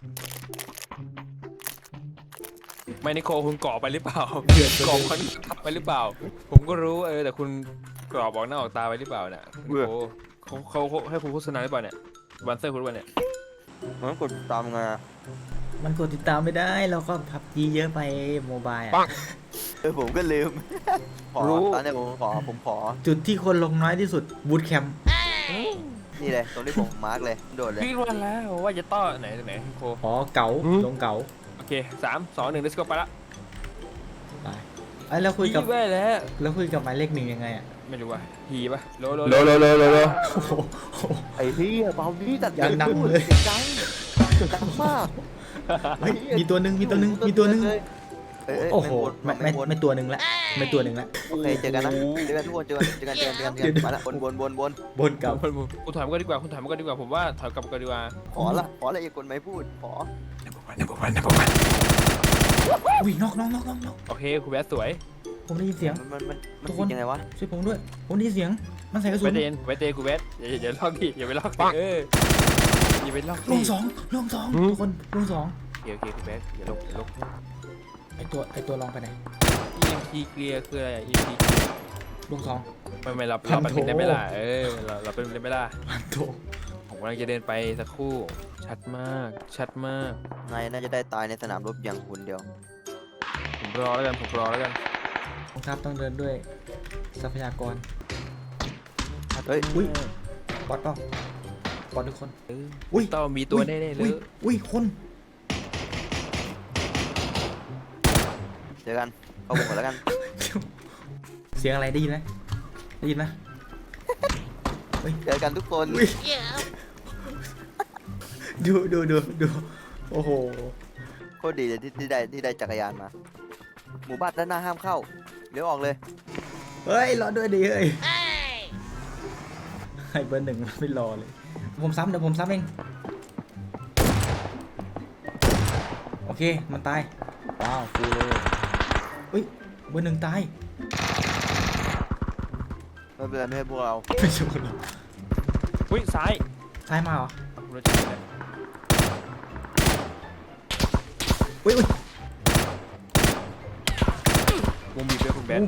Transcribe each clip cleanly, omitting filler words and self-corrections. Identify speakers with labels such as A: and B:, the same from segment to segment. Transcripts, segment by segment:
A: ไม่นิโคคุณก่อไปหรือเปล่าก่อมันทับไปหรือเปล่าผมก็รู้แต่คุณกรอบบอกหน้าออกตาไปหรือเปล่าเนี่ยโอ้เขาให้คุณโฆษณาหรือเปล่าเนี่ยบันเซอร์คุณหรือเปล่าเนี่ย
B: มันกดตามไง
C: มันกดติดตามไม่ได้เราก็พับจีเยอะไปโมบายอ่ะ
B: ผมก็ลืมตอนนี้ผมขอ
C: จุดที่คนลงน้อยที่สุดบูทแคมป์
B: นี่เลยตรงที่ผมมาร์กเลยโดดเลย
A: พี่วันแล้วว่าจะต้อไหนนิโค
C: อ๋อเก๋าลงเก๋า
A: โอเค3 2 1 let's go ไปละ
C: ไปไอ้แล้วคุยกับ
A: พี่แว่แล้ว
C: แล้วคุยกับหมายเลขหนึ่งยังไงอ่ะ
A: ไม่รู้ว่าฮีป่ะโล
C: โอ้โห
B: ไอ้ที่เบาดีจัด
C: ยังดังเลย
B: ดังมาก
C: เฮ้ยมีตัวหนึ่งโอ้โหไม่ตัวหนึ่งละไม่ตัวหนึ่งละ
B: โอเคเจอกันนะเจอกันทุกคนเจอกันมาละบน
C: เก่า
A: คุณถอยมาก็ดีกว่าผมว่าถอยกลับกันดีกว่า
B: ขออะไรอีกคนไม่พูดขอ
C: อุ้ยนอก
A: โอเคคุณแวสสวย
C: ผมได้ยินเสียง
B: มันคิดยังไงวะ
C: ช่วยผมด้วยผมได้ยินเสียงมันใส่กระสุ
A: ไว
C: น
A: เตคุณแวสอย่าลอกดิอย่าไปลอกอย่าไปลอก
C: ลงสองทุกคนลงสอง
A: โอเคคุณแวสอย่าลก
C: ไอตัวลองไปไหน
A: EMP เคลียร์คืออะไร EMP
C: ลงสอง
A: ไม่เราเป็นได้ไหมล่ะเราเป็นได้ไหมล่ะ
C: พันโถ
A: ผมกำลังจะเดินไปสักครู่ชัดมาก
B: นายน่าจะได้ตายในสนามรบอย่างคนเดียว
A: ผมรอแล้วกัน
C: กองทัพต้องเดินด้วยทรัพยากร
B: เฮ้ย
C: อุ้ยบอสเปล่าบอสทุกคน อุ๊ย
A: ต้องมีตัวแน่ๆเลย
C: อุ้ยคน
B: เจอกันเข้าวงก่อนแล้วกัน
C: เสียงอะไรได้ยินไหม
B: เจอกันทุกคน
C: อุ๊ยดูโอ้โห
B: โคตรดีเลยที่ได้จักรยานมา หมู่บ้านด้านหน้าห้ามเข้าเลี้ยวออกเลย
C: เฮ้ยรอด้วยดิเฮ้ยให้เบอร์หนึ่งไม่รอเลยเดี๋ยวผมซ้ำเอง โอเคมันตายว้าวฟูเลยอุ้ยเบอร์หนึ่งตาย
B: ไม่เป็นไรไม่ให้พวกเรา
C: ไม่ใช่คนเรา
A: อุ้ยซ้าย
C: ซ้ายมาเหรอ
A: คุณรู้จักไหม
C: อุ้ยว
A: งบีบด้วยคุณแบท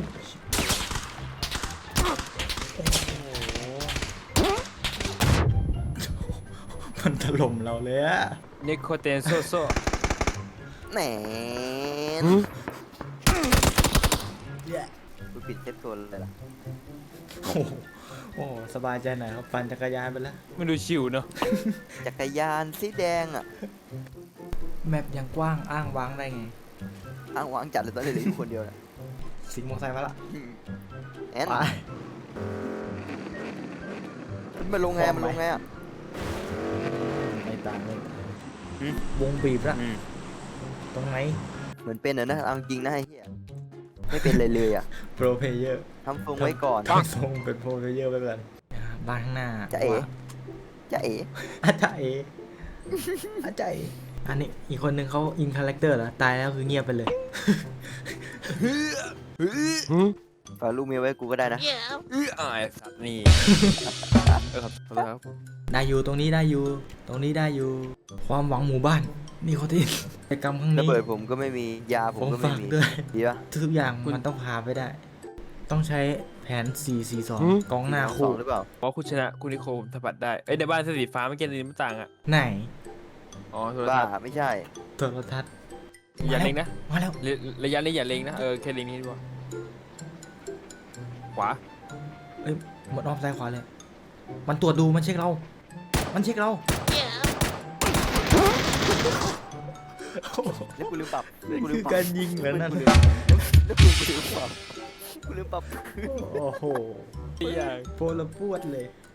C: มันถล่มเราเลยอะ
A: นิโคเตนโซ
B: แหนกูปิดเซฟโซนเลยล่ะ
C: โอ้สบายใจหน่อยครับปั่นจักรยานไปแล้ว
A: มันดูชิวเนาะ
B: จักรยานสีแดงอ่ะ
C: แมปยังกว้างอ้างว้างได้ไง
B: อ้างวางจัดเลยตอนนี้เหลืออยู่คนเดียวนะ
C: สิงห์มอไซค์มาละ
B: แอน
C: ไป
B: มันลงไงอ่ะ
C: ไม่ต่างเลยว งบีบละตรงไหน
B: เหมือนเป็นนะเอาจริงนะไอ้เหี้ยไม่เป็นเลยอ่ะ
C: โปรเพลเยอร์
B: ทำทรงไว้ก่อน
C: ต้องส่งเป็นโปรเพลเยอร์ไปก่อนบ้านข้างหน้า
B: จะเอ๋จะเอ๋
C: อาจารย์เออาจารย์อันนี้อีกคนนึงเขาอินคาแรคเตอร์เหรอตายแล้วคือเงียบไปเลย
B: ฝากลูกเมียไว้กูก็ได้นะ
A: สัตว์นี่ครับ
C: ได้อยู่ตรงนี้ได้อยู่ความหวังหมู่บ้านนี่เขาที่กิจกรรมครั้ง
B: ระ
C: นี้
B: เบิดผมก็ไม่มียาผมก็ไม่
C: ฝาก
B: มี
C: ด้วย
B: ดีปะ
C: ทุกอย่างมันต้องพาไปได้ ต้องใช้แผน 4-4-2 กองหน้า
B: สอ
C: คู่
B: งหรือเปล่า
A: เพราะคุณชนะคุณนิโคผมสัมผัสได้ในบ้านสีฟ้าเมื่อกี้นี่มันต่างอ่ะ
C: ไหน
A: อ๋อโทร
B: บ้า
A: ทัศน์
B: ไม่ใช่
C: โทรทัศน์
A: อย่าเล็งนะ
C: มาแล้ว
A: ระยะนี้อย่าเล็งนะแค่เล็งนี้ดีกว่าขวา
C: เอ้ยหมดอ้อมซ้ายขวาเลย มันตรวจดูมันเช็คเรา
B: แล้วกูลืมปรับ
C: คือการยิงเหมือนนั่น
B: แล้วกูลืมปรับ
C: โอ้โห
A: อย่าง
C: โพลปวดเลย